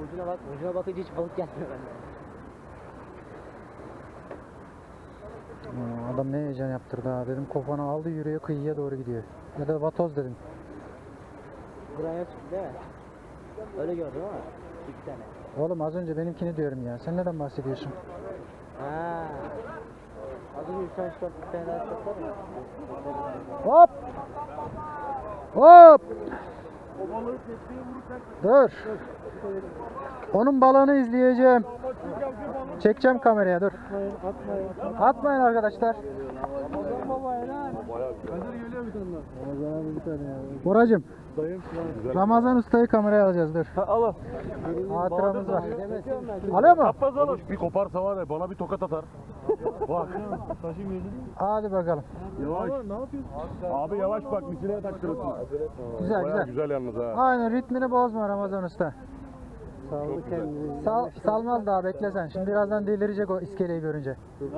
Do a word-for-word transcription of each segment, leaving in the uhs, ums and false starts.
Ucuna bak, ucuna bakınca hiç balık gelmiyor bende. Aa, adam ne heyecan yaptırdı ha. Dedim kopanı aldı yürüyor kıyıya doğru gidiyor. Ya da vatoz dedim. Buraya çıktı değil mi? Öyle gördüm ama iki tane. Oğlum az önce benimkini diyorum ya. Sen neden bahsediyorsun? Ha. Az önce üç tane şort bir tane daha şort var mı? Hop! Hop! Dur. Onun balığını izleyeceğim. Çekeceğim kameraya dur. Atmayın arkadaşlar. Boracım. Ramazan Usta'yı kameraya alacağız dur. Al. Hatıramız var. Alıyor mu? Bir koparsa var ya bana bir tokat atar. Bak. Hadi bakalım. Yavaş. Abi yavaş bak misineye taktırırsın. Güzel Bayağı güzel. güzel yalnız ha. Aynen ritmini bozma Ramazan Usta. Çok güzel. Sal, salmaz daha bekle sen. Şimdi birazdan delirecek o iskeleyi görünce.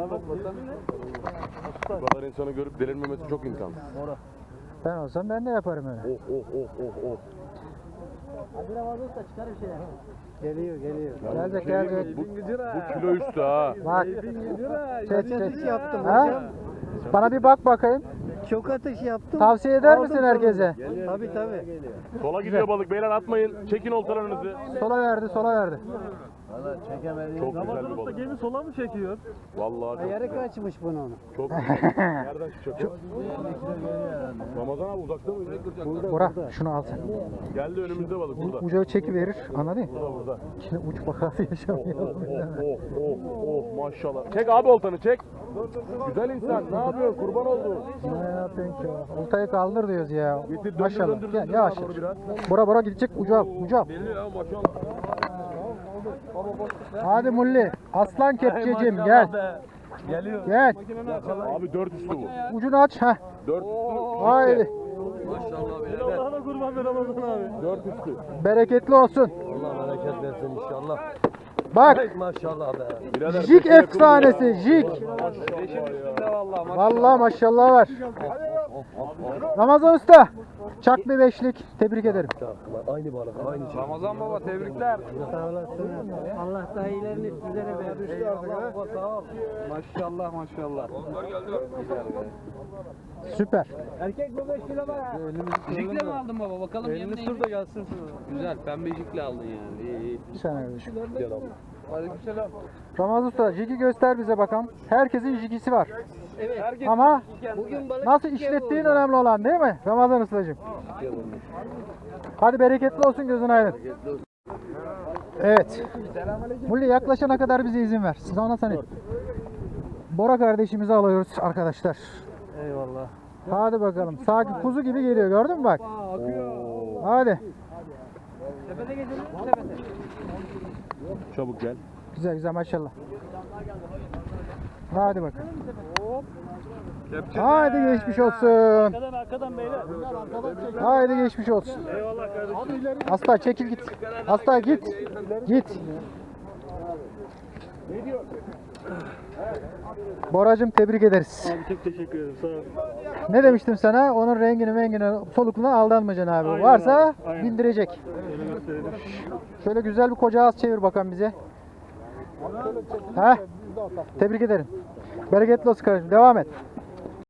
Bu kadar insanı görüp delirmemesi çok imkansız. Ben olsam ben de yaparım öyle. Oh oh oh oh oh. Hadi Ramazan Usta çıkar bir şeyler. Geliyor geliyor. Yalnız Gelecek bir şey gelecek. diyeyim mi? Bu, bu kilo üstü ha. Bak. Çek Atış çek. yaptım Ha? hocam. Bana bir bak bakayım. Çok atış yaptım. Tavsiye eder Aldım misin sonunda. herkese? Tabii tabii. Sola gidiyor balık beyler atmayın. Çekin oltalarınızı. Sola verdi, sola verdi. Çok güzel bir balık. Gemi sola mı çekiyor? Vallahi çok Yarı güzel. kaçmış bunun. Çok güzel. Nereden çıkacak? Ramazan abi uzakta mıydı? Bora şunu al sen. Geldi önümüzde balık burada. Ucu çekiverir. Anladın mı? Burada burada. Şimdi uç vakası yaşamayalım. Oh oh oh oh maşallah. Çek abi oltanı çek. Güzel insan ne yapıyorsun kurban oldu. Ne yapıyorsun ki? Oltayı kaldır diyoruz ya. Getir, döndür, Maşallah. döndür, Gel döndür yavaş. sağa doğru biraz. Bora bora gidecek ucu al. Ucu al. Belli ya maşallah. Hadi Mulli. Aslan kepçecim gel. Geliyor. Gel. Abi dört üstü bu. Ucunu aç. Heh. Dört üstü. Haydi. Maşallah birader. Allah'ına kurban be Ramazan abi. Dört üstü. Bereketli olsun. Allah bereket versin inşallah. Bak. Maşallah be. Birader, Jig beşe yakın efsanesi. bu ya. Jig. Maşallah. Vallahi maşallah var. Ramazan Usta. Çak bir beşlik. Tebrik ederim. Aynı balık aynı şey. Ramazan baba tebrikler. Sağ olasın. Allah daha iyilerini sizlere versin. Eyvallah baba sağ ol. Maşallah maşallah. Süper. Erkek bu beş kilo var ha. Jikle mi aldın baba? Bakalım Elini yemin sür de gelsin. Güzel pembe jikle aldın yani. İyi iyi. Bir saniye kardeşim. Aleykümselam. Ramazan Usta jigi göster bize bakalım. Herkesin jigisi var. Evet. Ama Bugün balık nasıl ikiye işlettiğin vurdu. önemli olan değil mi? Ramazan Ustacığım. Hadi bereketli olsun gözün aydın. Evet. Mulli yaklaşana kadar bize izin ver. Sonra sen et. Bora kardeşimizi alıyoruz arkadaşlar. Eyvallah. Hadi bakalım. Sanki kuzu gibi geliyor gördün mü bak. Hadi. Tepede gezelim tepede. Çabuk gel. Güzel güzel maşallah. Hadi bakalım. Haydi geçmiş olsun. Arkadan arkadan beyler. Haydi geçmiş olsun. Eyvallah kardeşim. Hasta çekil git. Hasta git. Git. Boracığım tebrik ederiz. Abi çok teşekkür ederim sağ ol. Ne demiştim sana? Onun rengini mengine solukluğuna aldanmayacaksın abi. Aynen Varsa abi, aynen. bindirecek. Öyle gösterelim. Şöyle güzel bir koca ağız çevir bakalım bize. Heh. Tebrik ederim. Bereketli olsun kardeşim. Devam et.